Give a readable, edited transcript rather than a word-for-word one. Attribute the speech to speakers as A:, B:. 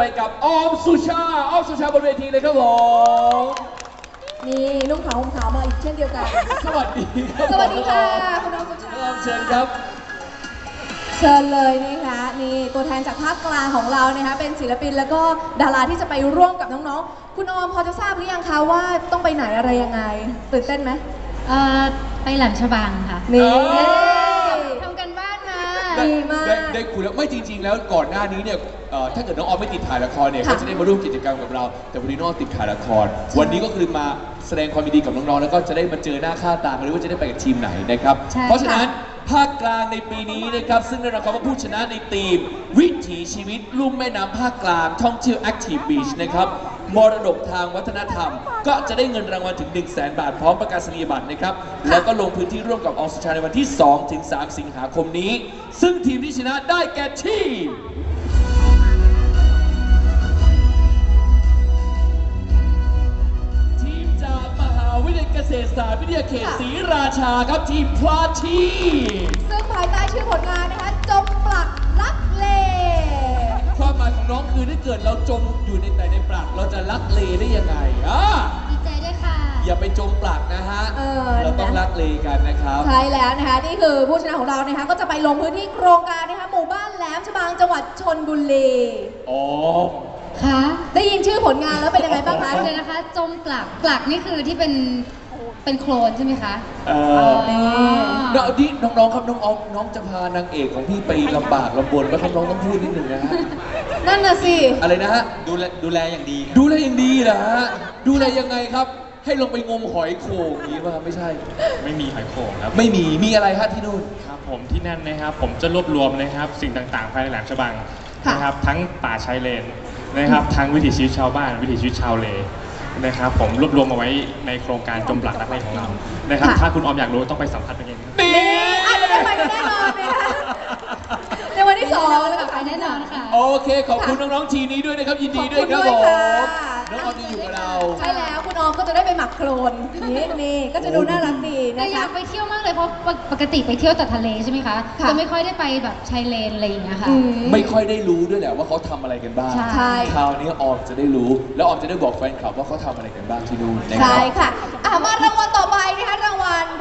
A: ไปกับออมสุชาบนเวทีเลยครับผม
B: นี่นุ่งขาวห่มขาวมาอีกเช่นเดียวกัน
A: สวัสดีครับ
B: สวัสดีค่ะคุณออมสุชา
A: เชิญครับ
B: เชิญเลยนะคะนี่ตัวแทนจากภาคกลางของเรานะคะเป็นศิลปินแล้วก็ดาราที่จะไปร่วมกับน้องๆคุณออมพอจะทราบหรือยังคะว่าต้องไปไหนอะไรยังไงตื่นเต้นไหม
C: ไปแหลมฉบังค่ะ
B: นี่
C: ทำกันบ้านมา
B: ดีมาก
A: ได้คุยแล้วไม่จริงๆแล้วก่อนหน้านี้เนี่ยถ้าเกิดน้องออมไม่ติดถ่ายละครเนี่ยก็จะได้มาร่วมกิจกรรมกับเราแต่วันนี้น้องติดถ่ายละครวันนี้ก็คือมาแสดงความยินดีกับน้องๆแล้วก็จะได้มาเจอหน้าค่าตากันด้วยว่าจะได้ไปกับทีมไหนนะครับเพราะฉะนั้นภาคกลางในปีนี้นะครับซึ่งได้รับคำว่าผู้ชนะในทีมวิถีชีวิตลุ่มแม่น้ำภาคกลางท่องเที่ยว Active Beach นะครับมรดกทางวัฒนธรรมก็จะได้เงินรางวัลถึง 100,000 บาทพร้อมประกาศนียบัตรนะครับแล้วก็ลงพื้นที่ร่วมกับออมสุชาในวันที่ 2-3 สิงหาคมนี้ซึ่งทีมที่ชนะได้แก่ทีมจากมหาวิทยาลัยเกษตรศาสตร์วิทยาเขตศรีราชาครับทีมพลาชี
B: ซึ่งภายใต้ชื่อผลงานนะคะจมปลักลักเล
A: ความหมายของน้องคือถ้าเกิดเราจมอยู่ในปลักเราจะลักเลได้ยังไง
C: ดีใจด้วยค่ะ
A: อย่าไปจมปลักนะฮะเราต้องลักเลกันนะครับ
B: ใช่แล้วนะคะนี่คือผู้ชนะของเรานะคะก็จะไปลงพื้นที่โครงการนะคะหมู่บ้านแหลมฉบังจังหวัดชลบุรี
C: ค่ะ
B: ได้ยินชื่อผลงานแล้วเป็นยังไงบ้างคะ
C: เลยนะคะจมปลักนี่คือที่เป็นโคลนใช่ไหมคะ
A: น้องครับน้องออมน้องจะพานางเอกของพี่ไปลำบากลำบนก็น้องต้องพูดนิดหนึ่งนะฮะ
B: นั่นน่ะสิ
A: อะไรนะฮะ
D: ดูแลอย่างดี
A: ดูแลอย่างดีเหรอฮะดูแลยังไงครับให้ลงไปงมหอยโข่งนี้ป่ะไม่ใช่
D: ไม่มีหอยโข่งครับ
A: ไม่มีอะไรฮะที่นู่น
D: ครับผมที่นั่นนะครับผมจะรวบรวมนะครับสิ่งต่างๆภายในแหลมฉบังนะครับทั้งป่าชายเลนนะครับทั้งวิถีชีวิตชาวบ้านวิถีชีวิตชาวเลนะครับผมรวบรวมมาไว้ในโครงการจมปลักรักเลของเรานะครับถ้าคุณออมอยากรู้ต้องไปสัมผัสเอง
B: นี่อาจจะได้ไปแน่นอนนะคะในวันที่2แล้วก็
C: ไปแน่นอนค่ะ
A: โอเคขอบคุณน้องๆทีนี้ด้วยนะครับยินดีด้วยครับผมน้องออมจะอยู่กับเรา
B: ใช่แล้วคุณออมก็จะได้ไปหมักโคลนนี่ก็จะดูน่ารักดีนะคะ
C: อยากไปเที่ยวมากเลยเพราะปกติไปเที่ยวแต่ทะเลใช่ไหมคะจะไม่ค่อยได้ไปแบบชายเลนอะไรอย่างเงี้ยค่ะ
A: ไม่ค่อยได้รู้ด้วยแหละว่าเขาทำอะไรกันบ้าง
B: ใช่
A: คราวนี้ออมจะได้รู้แล้วออมจะได้บอกแฟนคลับว่าเขาทำอะไรกันบ้างที่นู่น
B: ใช่ค่ะมารางวัลต่อไปนะคะรางวัล